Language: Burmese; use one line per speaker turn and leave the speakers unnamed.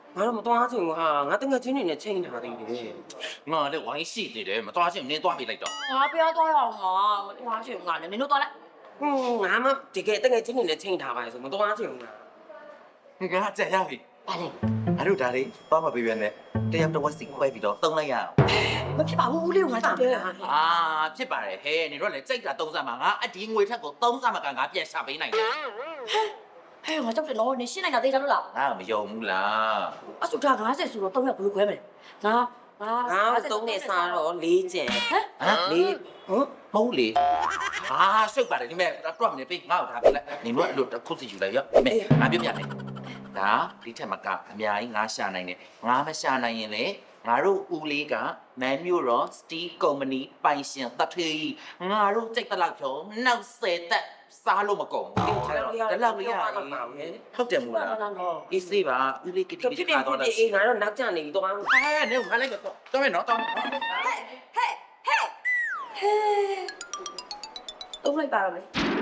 ငါတော့မသွားချင်ဘူးဟာငါတငယ်ချင်းတွေနဲ့ချိန်ထားသေးတယ်
ငါလည်းဝိုင်းရှိသေးတယ်မသွားချင်နင်းသွားမိလိုက်တော့
ငါပြောတော့ရအောင်ငါမသွားချင်ငါလည်းနင်တို့သွားလိုက်
ငါမှတကယ်တငယ်ချင်းတွေနဲ့ချိန်ထားပါလေဆိုမသွားချင်ဘူးလား
ငါကြက်ရပြီ
ပါလေ
အဲ့တို့ဒါလေးသွားမပေးပြန်နဲ့တယောက်တစ်ဝက်စီခွဲပြီးတော့သုံးလိုက်ရအောင်
မဖြစ်ပါဘူးဦးလေးကငါကြောက်တယ်
အာဖြစ်ပါတယ်ဟဲ့နေတော့လေစိတ်တာသုံးစားမှာငါအဒီငွေထက်ကိုသုံးစားမှာကငါပြန်ရှာပေးနိုင်တယ်
ဟဲ့ငါကြောက်တယ်နော်နင်ရှင်းနိုင်တာသိကြလို့လား
ငါမယုံဘူးလား
အဆူတာ90ဆိုတော့3ရက်ဘယ်လိုခွဲမလဲငါ
ငါသုံးနေစားတော့4ကျန်
ဟမ်
4ဟုတ်
ဟုတ်လေအာစိတ်ပါတယ်ဒီမဲ့တော့မနေပေးငါ့ကိုထားပေးလိုက်နေတော့အဲ့လိုတစ်ခုစီယူလိုက်ရောဒီမဲ့ငါပြပြမယ်ဒါဒီထက်မကအများကြီးငါရှာနိုင်တယ်ငါမရှာနိုင်ရင်လေငါတို့ဦးလေးကမန်မျိုးရောစတီးကုမ္ပဏီပိုင်ရှင်တထေးငါတို့စိတ်တလောက်ဖြုံနောက်10သက်စားလို့မကုန်ဘူးဒါလောက်လေးရဟုတ်တယ်မို့လားအေးစေးပါဦးလေးကတိ
ဖြစ်ဖြစ်ဖြစ်အေးငါတော့နောက်ကျနေပြီတော့
ဟဲ့နေငါလိုက်တော့မယ်နော်တော့
ဟဲ့ဟဲ့ဟဲ့ဟဲ့တုံးလိုက်ပါတော့မယ်